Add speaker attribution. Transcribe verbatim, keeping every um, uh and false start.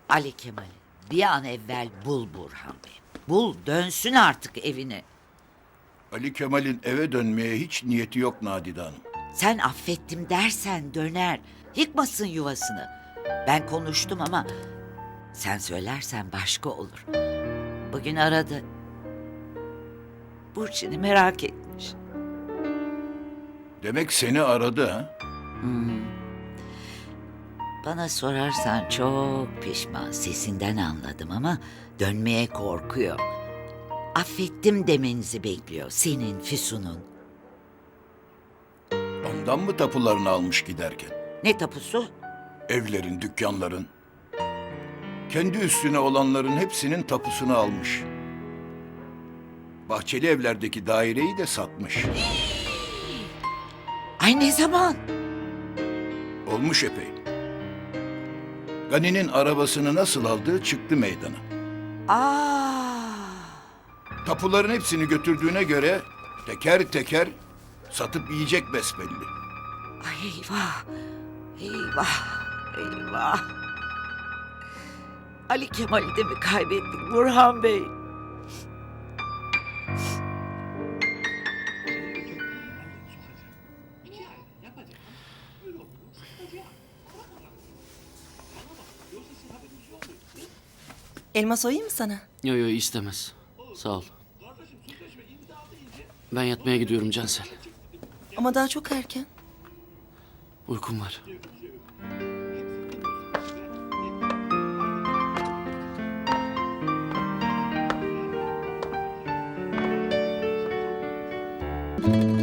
Speaker 1: Ali Kemal'i bir an evvel bul Burhan Bey. Bul, dönsün artık evine.
Speaker 2: Ali Kemal'in eve dönmeye hiç niyeti yok Nadide Hanım.
Speaker 1: Sen affettim dersen döner. Yıkmasın yuvasını. Ben konuştum ama sen söylersen başka olur. Bugün aradı. Burçin'i merak etmiş.
Speaker 2: Demek seni aradı ha?
Speaker 1: Bana sorarsan çok pişman, sesinden anladım ama dönmeye korkuyor. Affettim demenizi bekliyor senin Füsun'un.
Speaker 2: Ondan mı tapularını almış giderken?
Speaker 1: Ne tapusu?
Speaker 2: Evlerin, dükkanların. Kendi üstüne olanların hepsinin tapusunu almış. Bahçeli evlerdeki daireyi de satmış.
Speaker 1: Ay ne zaman?
Speaker 2: Olmuş epey. Gani'nin arabasını nasıl aldığı çıktı meydana.
Speaker 1: Aa,
Speaker 2: Tapuların hepsini götürdüğüne göre teker teker satıp yiyecek besbelli.
Speaker 1: ay eyvah, eyvah, eyvah. Ali Kemal'i de mi kaybettik Burhan Bey?
Speaker 3: Elma soyayım mı sana?
Speaker 4: Yo yo istemez. Sağ ol. Ben yatmaya gidiyorum Cansel.
Speaker 3: Ama daha çok erken.
Speaker 4: Uykum var.
Speaker 3: Müzik